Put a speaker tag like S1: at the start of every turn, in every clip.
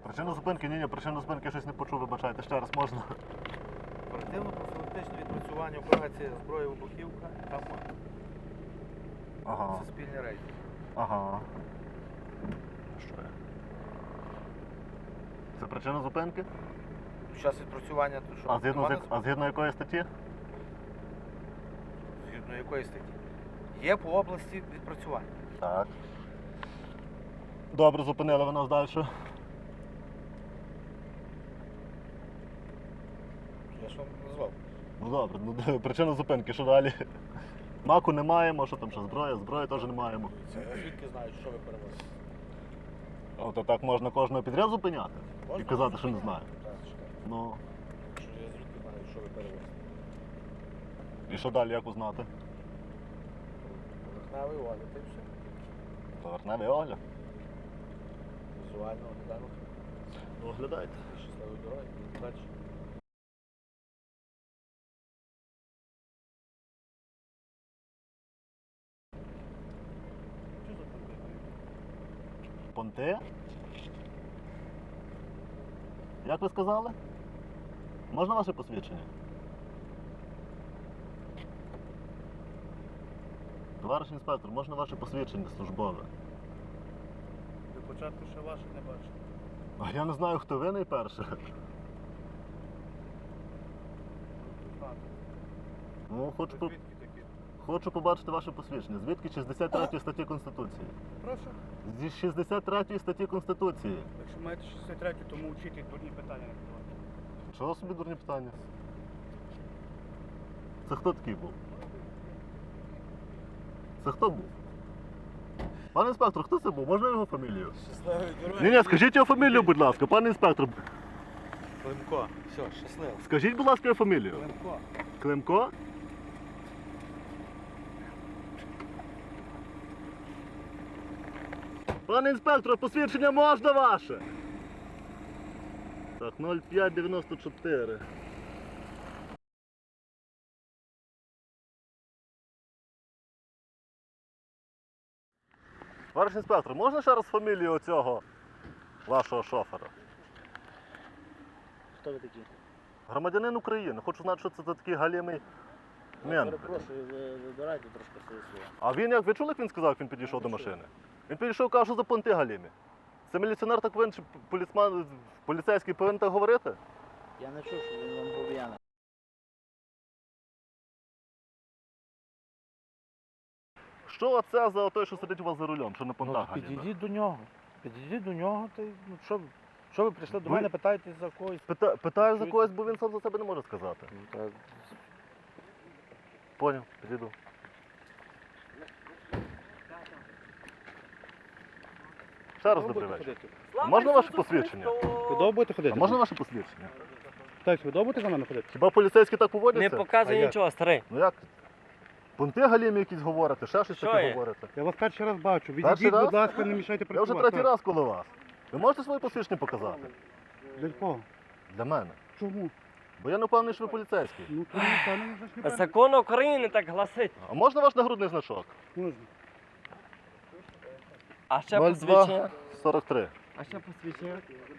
S1: Причину зупинки? Ні, причину зупинки щось не почув, вибачайте, ще раз можна.
S2: Оперативно-профілактичне відпрацювання операції зброї вибухівка та МОН.
S1: Ага.
S2: Це спільний рейд.
S1: Ага. Що є? Це причина зупинки?
S2: Під час відпрацювання то що?
S1: А згідно якої статті?
S2: Згідно якої статті? Є по області відпрацювання.
S1: Так. Добре, зупинили ви нас далі.
S2: Я ж вам назвав.
S1: Ну добре, ну причина зупинки, що далі? Маку не маємо, що там ще зброї теж не маємо.
S2: Звідки знають, що ви перевозите?
S1: От так можна кожного підряд зупиняти і
S2: Можна?
S1: казати, що не знаю.
S2: Так, чекай.
S1: Ну,
S2: Що я звідки знаю, що ви перевозите?
S1: і що далі, як узнати?
S2: Поверхневий огляд і все.
S1: Поверхневий огляд.
S2: Візуально оглянути.
S1: Оглядайте.
S2: Щасливої дороги. Далі.
S1: Понти? Як ви сказали? Можна ваше посвідчення? Товариш інспектор, можна ваше посвідчення службове?
S3: До початку ще ваших не бачив.
S1: А я не знаю, хто ви найперше. Ну,
S3: Звідки такі?
S1: хочу побачити ваше посвідчення. Звідки 63 статті Конституції?
S3: Прошу.
S1: Зі 63 статті Конституції.
S3: Якщо маєте 63, то мовчіть і дурні питання не задавайте.
S1: Чого собі дурні питання? Це хто такий був? Це хто був? Пане інспектор, хто це був? Можна його фамілію?
S2: Щасливої дороги.
S1: Ні, скажіть його фамілію, будь ласка, пане інспектор.
S2: Климко. Все, щасливо.
S1: Скажіть, будь ласка, його фамілію.
S2: Климко.
S1: Климко? Пане інспектор, посвідчення можна ваше? Так, 0594. Товариш інспектор, можна ще раз фамілію оцього вашого шофера?
S3: Хто ви такі?
S1: Громадянин України. Хочу знати, що це за такий галімий мент.
S3: Перепрошую, вибирайте трошки свої слова.
S1: А він як, ви чули, як він сказав, як він підійшов до машини? Він підійшов, каже, що за понти галімі. Це міліціонер так повинен, чи поліцейський повинен так говорити?
S3: Я не чув, що він вам був п'яний.
S1: Що це за той, що сидить у вас за рулем, що на понтах галіме?
S2: Підійдіть до нього. Підійдіть до нього, та й, ну, що ви прийшли до
S1: Ви-
S2: мене, питаєте за когось?
S1: Питаю за когось, бо він сам за себе не може сказати. Поняв, підійду. Ще раз добрий вечір. А можна ваше посвідчення?
S2: Ви довго будете ходити?
S1: А можна ваше посвідчення?
S2: Так, ви довго будете за мене ходити?
S1: Хіба поліцейські так
S4: Не
S1: поводяться?
S4: показуй
S2: А як?
S4: нічого, старий.
S1: Ну як? Понти галімі якісь говорите, ще щось
S4: Що
S1: таке
S4: є?
S1: говорите.
S2: Я вас перший раз бачу.
S1: Перший
S2: Відійдіть,
S1: раз?
S2: будь ласка, не мішайте
S1: Я вже
S2: працювати.
S1: третій раз коло вас. Ви можете своє посвідчення показати?
S2: Для кого?
S1: Для мене.
S2: Чому?
S1: Бо я не впевнений, що ви поліцейський.
S2: Ну, то пане, вже ж не пане.
S4: Закон України так гласить.
S1: А можна ваш нагрудний значок?
S2: Можна.
S4: А ще посвідчення.
S1: 43.
S4: А ще посвідчення.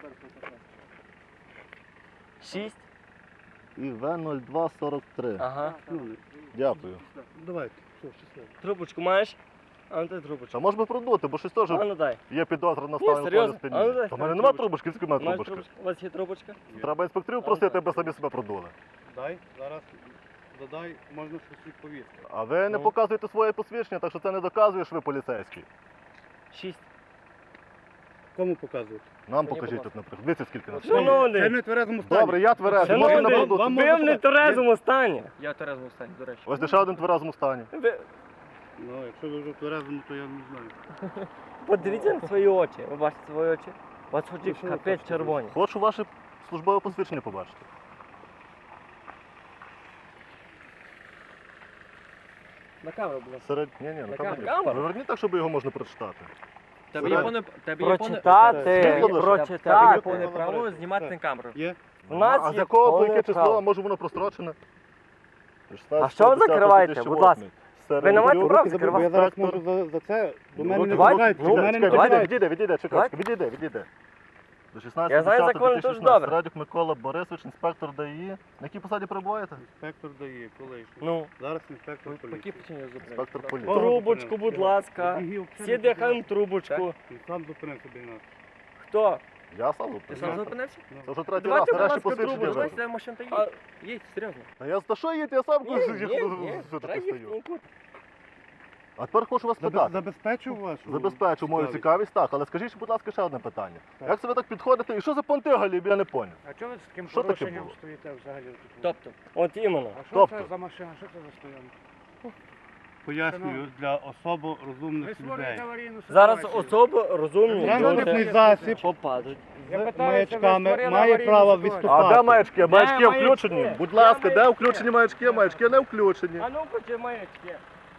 S4: 6.
S1: І В0243.
S4: Ага.
S2: Ну,
S1: Дякую.
S2: давайте. Все, щасливо.
S4: Трубочку маєш? А ну дай трубочку.
S1: А може би продути, бо щось теж
S4: А ну дай.
S1: є підозра на
S4: Ні,
S1: ставлення
S4: серйозно?
S1: спині.
S4: А ну дай,
S1: Та в мене
S4: дай
S1: нема
S4: трубочку.
S1: трубочки, звідки в мене
S4: Маєш
S1: трубочка?
S4: трубочку? У вас є трубочка?
S1: Треба інспекторів просити, аби самі себе продули.
S2: Дай, зараз додай, можна щось відповісти.
S1: А ви не
S4: Ну.
S1: показуєте своє посвідчення, так що це не доказує, що ви поліцейський.
S4: 6.
S2: Кому показувати?
S1: Нам
S4: Мені,
S1: покажіть
S4: будь
S1: тут, наприклад. Дивіться, скільки нас.
S4: Шановний.
S2: Це не тверезому стані.
S1: Добре, я тверезий, можна на
S4: Шановний,
S1: продукт.
S2: вам
S4: ви в
S2: можна-
S4: нетверезому стані.
S3: Я в Терезовому стані, до речі.
S1: Ось ще один в тверезому стані.
S4: Ви
S2: Ну, якщо ви вже в тверезому, то я не знаю.
S4: подивіться на свої очі. Ви бачите свої очі? У вас очі
S2: Ну, що ви
S4: капець
S2: хочете?
S4: червоні.
S1: Хочу ваше службове посвідчення побачити.
S4: На камеру, будь ласка.
S1: Ні, на
S4: На
S1: камеру.
S4: камеру?
S1: Виверніть так, щоб його можна прочитати.
S3: Тебе
S1: є
S4: Прочитати,
S1: Світло лише.
S4: прочитати.
S3: повне право знімати на камеру.
S2: Є?
S4: У нас
S1: А з
S4: є
S1: якого по
S4: повне
S1: яке число,
S4: право.
S1: а може воно прострочене?
S4: А що ви закриваєте? Будь ласка. Ви не маєте права
S2: Бо
S4: закривати.
S2: я зараз можу за це, до мене не
S4: давайте,
S2: вибирають,
S4: ну,
S2: до мене не
S4: давайте.
S2: вибирають.
S1: Відійде, чекай, відійде. До 16
S4: Я знаю закони дуже добре.
S1: Радюк Микола Борисович, інспектор ДАІ. На якій посаді перебуваєте?
S3: Інспектор дає, колишній.
S4: Ну,
S3: Зараз інспектор
S4: по якій
S3: поліції.
S4: причині я зупинив?
S1: Інспектор поліції.
S4: Трубочку, будь ласка. Всі дихаємо трубочку.
S3: Він сам зупинив собі нас.
S4: Хто?
S1: Я сам
S4: Ти
S1: зупинив.
S4: сам зупинився?
S1: Це вже третій раз,
S4: Давайте, будь
S1: нарешті
S4: ласка,
S1: посвідчення
S4: трубочку.
S1: виробив.
S4: Давайте машина та їдь. Їдь, серйозно.
S1: Та я за що їду? Я сам
S4: Ні,
S1: кажу,
S4: ні,
S1: що
S4: треба
S1: таке
S4: їхати
S1: стою.
S4: нікуди.
S1: А тепер хочу вас питати.
S3: Забезпечив вашу?
S1: Забезпечу мою цікавість, так, але скажіть, будь ласка, ще одне питання.
S3: Так.
S1: Як це ви так підходите? І що за понти, Галіб, я не поняв.
S2: А чого ви з таким
S1: Що таке
S2: порушенням
S1: було?
S2: стоїте взагалі тут?
S4: Тобто, от іменно.
S2: А що
S1: Тобто?
S2: це за машина? Що це за стоянка?
S3: Пояснюю, для особо
S2: Ви
S3: розумних людей.
S2: створюєте аварійну
S4: Зараз
S2: ситуацію.
S4: особи розумні
S3: Транспортний
S4: люди
S3: засіб
S4: попадуть.
S2: Я
S3: з
S2: питаюся, ви
S3: маячками
S2: створили
S3: має
S2: аварійну
S3: право
S2: ситуацію.
S3: відступати.
S1: А де маячки? Маячки
S4: маячки?
S1: включені? Будь
S4: Де
S1: ласка, де
S4: маячки?
S1: включені маячки? Маячки не включені.
S4: А ну почи маячки.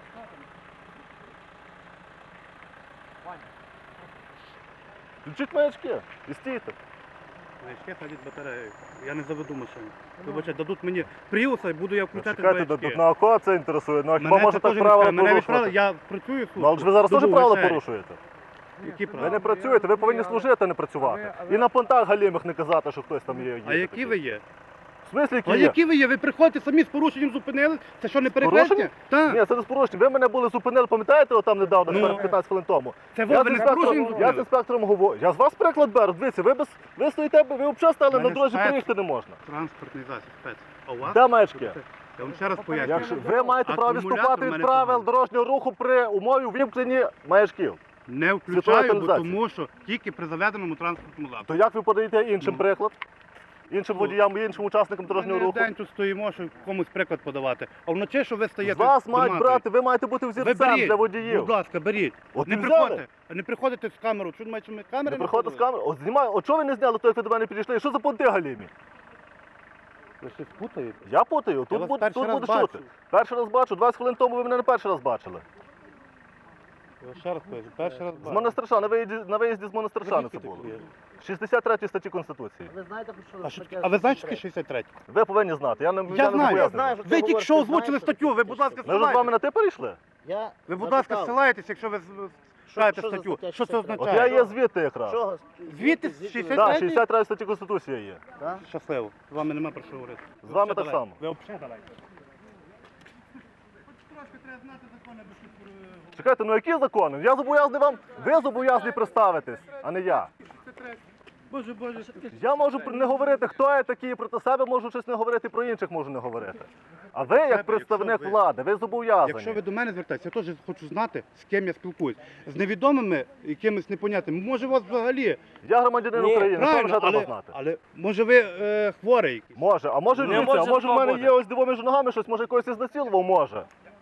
S1: Включіть маячки і стійте.
S3: Маячки садять батарею. Я не заведу машину. Вибачте, дадуть мені пріуса і буду я включати
S1: Чекайте,
S3: маячки.
S1: тут на кого це інтересує? Ну, а хіба
S3: Мене
S1: може
S3: це
S1: так
S3: теж не
S1: правила
S3: цікавить. Мене відправили,
S1: порушувати?
S3: я працюю
S1: Ну, але ж ви
S3: службу.
S1: зараз теж
S3: Добу
S1: правила
S3: вечері.
S1: порушуєте.
S3: Які
S1: Ви
S3: правила?
S1: не працюєте, ви повинні служити, а не працювати. І на понтах галімих не казати, що хтось там є.
S3: А які ви є?
S1: В смислі, які
S3: А
S1: є?
S3: які ви є? Ви приходите самі з порушенням зупинили? Це що, не
S1: порушенням?
S3: перехрестя? Так.
S1: Ні, це не з порушенням. Ви мене були зупинили, пам'ятаєте, отам недавно,
S3: Ну.
S1: 15 хвилин тому.
S3: Це
S1: Я
S3: ви
S1: з
S3: не з
S1: інспектором,
S3: порушенням
S1: я з
S3: зупинили?
S1: інспектором говорю. Я з вас приклад беру. Дивіться, ви стоїте, ви взагалі стали
S3: Мене
S1: на дорозі,
S3: спец.
S1: проїхати не можна.
S3: Транспортний засіб, спец. А у вас?
S1: Де маячки?
S3: Я вам ще раз пояснюю.
S1: Якщо ви маєте право
S3: Акумулятор
S1: відступати
S3: в
S1: від
S3: мене
S1: правил
S3: поганий.
S1: дорожнього руху при умові вимкнення маячків.
S3: Не
S1: Світова
S3: включаю, бо
S1: каналізація.
S3: тому що тільки при заведеному транспортному засобі.
S1: То як ви подаєте іншим
S3: Ну.
S1: приклад? Іншим водіям, іншим учасникам дорожнього
S3: Ми
S1: руху?
S3: день тут стоїмо, щоб комусь приклад подавати. А вночі, що ви
S1: З
S3: стаєте
S1: вас мають
S3: домати.
S1: брати, ви маєте бути
S3: Ви
S1: взірцем
S3: беріть,
S1: для водіїв.
S3: будь ласка, беріть.
S1: От
S3: Не
S1: і взяли.
S3: приходите, не приходите з камерою. Що думаєте, що ми камери
S1: Не приходите з
S3: ходили?
S1: камери. От знімаю, от чого ви не зняли, то як ви до мене підійшли? Що за понти галімі?
S3: Ви щось путаєте?
S1: Я путаю,
S3: Я
S1: тут
S3: вас
S1: буду
S3: перший раз
S1: чути.
S3: бачу.
S1: Перший раз бачу, 20 хвилин тому ви мене не перший раз бачили.
S3: Я ще раз кажу, перший раз
S1: З
S3: бачу.
S1: монастирша, на виїзді з монастирша це було. 63 статті Конституції.
S2: Ви знаєте, що
S3: А ви знаєте, що 63?
S1: Ви повинні знати, я не
S3: Я
S1: не
S3: знаю.
S1: зобов'язаний.
S3: Я знаю, Ви тільки що озвучили статтю, ви, будь ласка,
S1: Ми вже з вами
S3: ссилайтесь.
S1: на ти перейшли?
S5: Я
S3: Ви, будь ласка, ссилаєтесь, якщо ви шукаєте
S5: що за
S3: статтю.
S5: стаття
S3: Що це
S5: 63?
S1: От
S3: означає?
S1: я є звідти якраз.
S5: Чого?
S3: Звідти з
S5: Звідти?
S3: 63?
S1: Так, 63 статті Конституції є.
S5: Да?
S3: Щасливо. З вами нема про що говорити.
S1: З вами так само.
S3: Ви взагалі давайте. Трошки треба знати закони, бо що...
S1: Чекайте, ну які закони? Я зобов'язаний вам, ви зобов'язані представитись, а не я.
S3: Боже, боже.
S1: Я можу не говорити, хто я такий, проти себе можу щось не говорити, про інших можу не говорити. А ви, як представник
S3: якщо ви-
S1: влади, ви зобов'язані.
S3: Якщо ви до мене звертаєтеся, я теж хочу знати, з ким я спілкуюсь. З невідомими, якимись непонятними. Може, у вас взагалі...
S1: Я громадянин
S4: Ні,
S1: України, що
S3: Правильно,
S1: вже треба
S3: але,
S1: знати.
S3: але може ви хворий якийсь?
S1: Може, а може
S4: Не
S1: дивіться, а
S4: може
S1: може в мене
S4: хто
S1: є ось диво між ногами щось, може когось ізнасилував, може.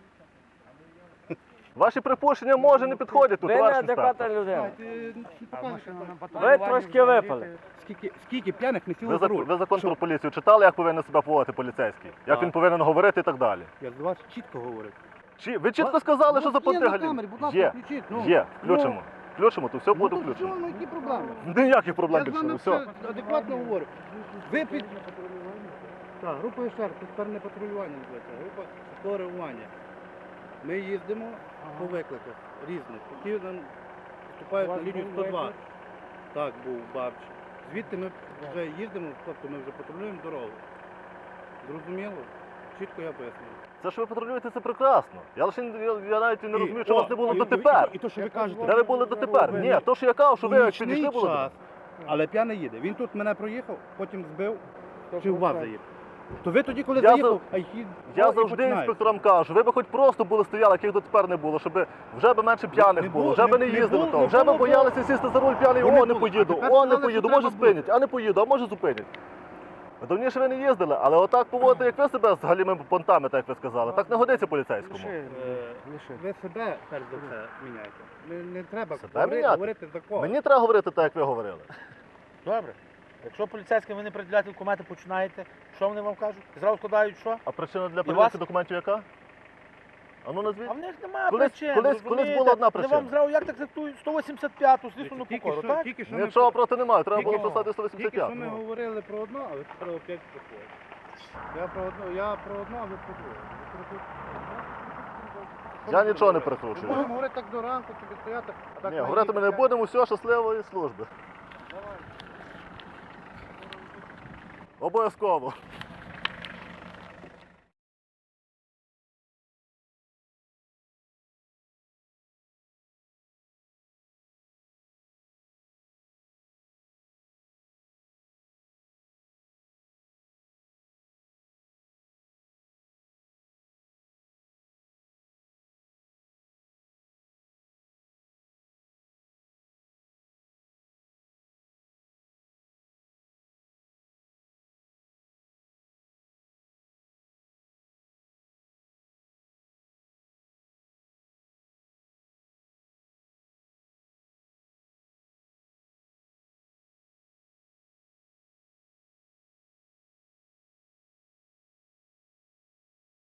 S1: Ваші припущення може не підходять тут,
S4: Ви
S1: товариш
S4: неадекватна
S1: інспектор.
S4: людина.
S2: А машина на
S4: Ви
S2: патрулюванні
S4: трошки випали.
S3: Скільки п'яних не сіло
S1: Ви,
S3: за руль?
S1: ви закон
S3: Що?
S1: про поліцію читали, як повинен себе поводити поліцейський? Як
S3: Так.
S1: він повинен говорити і так далі?
S3: Я з вас чітко говорю.
S1: Ви чітко сказали, що за
S3: Є на
S1: понтигалі?
S3: камері, будь ласка,
S1: Є,
S3: включіть. Ну,
S1: є, включимо. Включимо, то все буде
S3: Ну, то
S1: включено.
S3: що, ну, які проблеми?
S1: Ніяких проблем
S3: Я з
S1: більше,
S3: вами
S1: не все.
S3: все адекватно говорю. Ви під... Так, група ШР, це тепер не патрулювання називається, а група швидкого реагування. Ми їздимо по викликах різних, які нам вступають на лінію 102. Так, був Бабч. Звідти ми вже їздимо, тобто ми вже патрулюємо дорогу. Зрозуміло? Чітко я пояснюю.
S1: Це що ви патрулюєте, це прекрасно. Я лише я навіть не розумію, що
S3: о,
S1: вас не було
S3: і-
S1: дотепер.
S3: І то, що ви кажете,
S1: Де ви були дотепер? Ні, то, що я кажу, що ви як
S3: нічний
S1: підійшли були.
S3: час, але п'яний їде. Він тут мене проїхав, потім збив, чи в вас заїхав. То ви тоді, коли
S1: Я
S3: заїхав, а їх
S1: Я завжди інспекторам кажу, ви б хоч просто були стояли, яких дотепер не було, щоб вже б менше п'яних
S3: Не
S1: було,
S3: було,
S1: вже б не
S3: не
S1: їздили
S3: було,
S1: того,
S3: не
S1: вже б
S3: було
S1: боялися сісти за руль п'яний,
S3: Бо не
S1: о, не
S3: було.
S1: поїду,
S3: А тепер
S1: о, не
S3: сказали,
S1: поїду,
S3: що
S1: може
S3: треба
S1: спинять, а не поїду, а може зупинять. Давніше ви не їздили, але отак поводити, як ви себе з галімими понтами, так як ви сказали, так не годиться поліцейському.
S3: Ви себе перш за все міняєте. Не треба
S1: Себе міняти?
S3: говорити за кого.
S1: Мені треба говорити так, як ви говорили.
S2: Добре. Якщо поліцейським ви не приділяти документи починаєте, що вони вам кажуть? Зразу складають що?
S1: А причина для
S2: вас?
S1: перевірки документів яка? А ну назвіть.
S2: А в них немає
S1: Колись-
S2: причин.
S1: колись
S2: розумієте?
S1: була одна
S2: Вони
S1: причина.
S2: вам зразу як так трактують 185-ту слідчу
S3: Тільки
S2: покору,
S3: що-
S2: так?
S3: Тільки що
S1: Нічого проти немає, треба
S3: Тільки-
S1: було писати
S3: Тільки
S1: 185.
S3: що ми говорили про одно, а ви про опять проходите. Я про одно, а ви про друге.
S1: Я нічого не
S3: Ми
S1: перекручую.
S3: можемо говорити так до ранку, тобі стояти, а так
S1: Ні,
S3: на
S1: говорити ми не
S3: їздити.
S1: будемо, все, щасливої служби. Обов'язково.